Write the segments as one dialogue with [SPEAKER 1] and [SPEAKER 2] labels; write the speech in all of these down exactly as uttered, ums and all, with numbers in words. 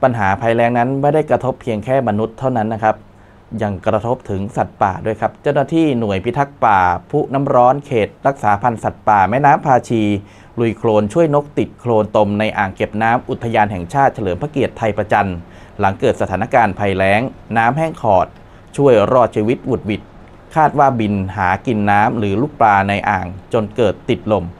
[SPEAKER 1] ปัญหาภัยแล้งนั้นไม่ได้กระทบเพียงแค่มนุษย์เท่านั้นนะครับยังกระทบถึงสัตว์ป่าด้วยครับเจ้าหน้าที่หน่วยพิทักษ์ป่าผู้น้ำร้อนเขตรักษาพันธุ์สัตว์ป่าแม่น้ำภาชีลุยโคลนช่วยนกติดโคลนตมในอ่างเก็บน้ำอุทยานแห่งชาติเฉลิมพระเกียรติไทยประจันหลังเกิดสถานการณ์ภัยแล้งน้ำแห้งขอดช่วยรอดชีวิตหวุดหวิดคาดว่าบินหากินน้ำหรือลูกปลาในอ่างจนเกิดติดลม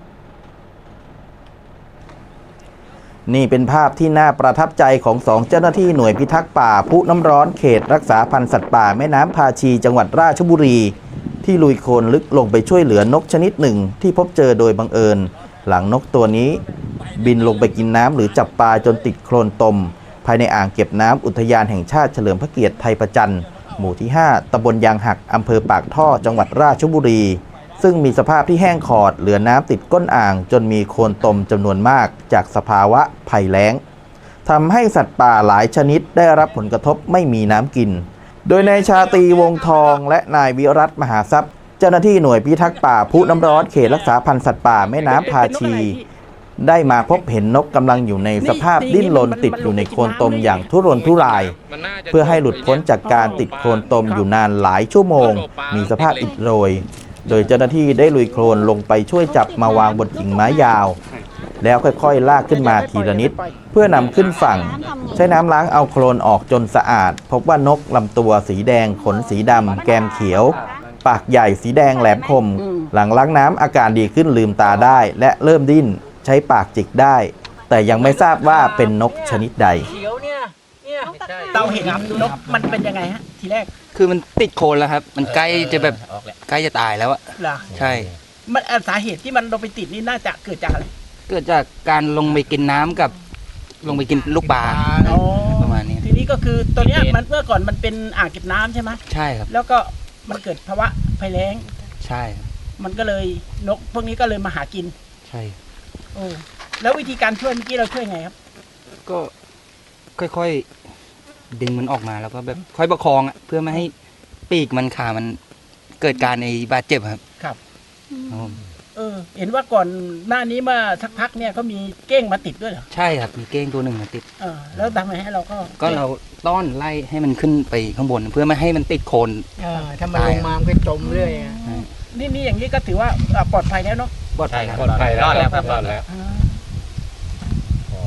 [SPEAKER 1] นี่เป็นภาพที่น่าประทับใจของสองเจ้าหน้าที่หน่วยพิทักษ์ป่าผู้น้ำร้อนเขตรักษาพันธุ์สัตว์ป่าแม่น้ำภาชีจังหวัดราชบุรีที่ลุยโคลนลึกลงไปช่วยเหลือนกชนิดหนึ่งที่พบเจอโดยบังเอิญหลังนกตัวนี้บินลงไปกินน้ำหรือจับปลาจนติดโคลนตมภายในอ่างเก็บน้ำอุทยานแห่งชาติเฉลิมพระเกียรติไทยประจันหมู่ที่ห้าตำบลยางหักอำเภอปากท่อจังหวัดราชบุรีซึ่งมีสภาพที่แห้งขอดเหลือน้ำติดก้นอ่างจนมีโคลนตมจำนวนมากจากสภาวะภัยแล้งทำให้สัตว์ป่าหลายชนิดได้รับผลกระทบไม่มีน้ำกินโดยนายชาตรีวงทองและนายวิรัตมหาทรัพย์เจ้าหน้าที่หน่วยพิทักษ์ป่าผู้น้ำร้อนเขตรักษาพันธุ์สัตว์ป่าแม่น้ำภาชีได้มาพบเห็นนกกำลังอยู่ในสภาพดิ้นรนติดอยู่ในโคลนตมอย่างทุรนทุรายเพื่อให้หลุดพ้นจากการติดโคลนตมอยู่นานหลายชั่วโมงมีสภาพอิดโรยโดยเจ้าหน้าที่ได้ลุยโคลนลงไปช่วยจับมาวางบนกิ่งไม้ยาวแล้วค่อยๆลากขึ้นมาทีละนิดเพื่อนำขึ้นฝั่งใช้น้ำล้างเอาโคลนออกจนสะอาดพบว่านกลำตัวสีแดงขนสีดำแก้มเขียวปากใหญ่สีแดงแหลมคมหลังล้างน้ำอาการดีขึ้นลืมตาได้และเริ่มดิ้นใช้ปากจิกได้แต่ยังไม่ทราบว่าเป็นนกชนิดใด
[SPEAKER 2] เราเห็นนกมันเป็นยังไงฮะทีแรก
[SPEAKER 3] คือมันติดโคลนแล้วครับมันใกล้จะแบบใกล้จะตายแล้วอะใช่
[SPEAKER 2] มันสาเหตุที่มันลงไปติดนี่น่าจะเกิดจากอะไร
[SPEAKER 3] เกิดจากการลงไปกินน้ำกับลงไปกินลูกปลาประมาณนี้
[SPEAKER 2] ทีนี้ก็คือตัวนี้มันเมื่อก่อนมันเป็นอ่างเก็บน้ำใช่ไหม
[SPEAKER 3] ใช่ครับ
[SPEAKER 2] แล้วก็มันเกิดภาวะภัยแล้ง
[SPEAKER 3] ใช่
[SPEAKER 2] มันก็เลยนกพวกนี้ก็เลยมาหากิน
[SPEAKER 3] ใช่
[SPEAKER 2] โอ้แล้ววิธีการช่วยเมื่อกี้เราช่วยไงครับ
[SPEAKER 3] ก็ค่อยๆดึงมันออกมาแล้วก็แบบค่อยประคองอ่ะเพื่อไม่ให้ปีกมันขามันเกิดการในบาดเจ็บครับ
[SPEAKER 2] ครับเออเห็นว่าก่อนหน้านี้มาสักพักเนี่ยเขามีเก้งมาติดด้วยเหรอ
[SPEAKER 3] ใช่ครับมีเก้งตัวหนึ่งมาติด
[SPEAKER 2] เออแล้วทำไงให้เราก็
[SPEAKER 3] ก็เราต้อนไล่ให้มันขึ้นไปข้างบนเพื่อไม่ให้มันติดโคลน
[SPEAKER 2] เออถ้ามันลงมามันก็จมเรื่อยนี่นี่อย่างนี้ก็ถือว่าปลอดภัยแล้วเนาะ
[SPEAKER 3] ปลอดภัย
[SPEAKER 4] ปลอดภัยแล้วครับปลอดภัยแล้ว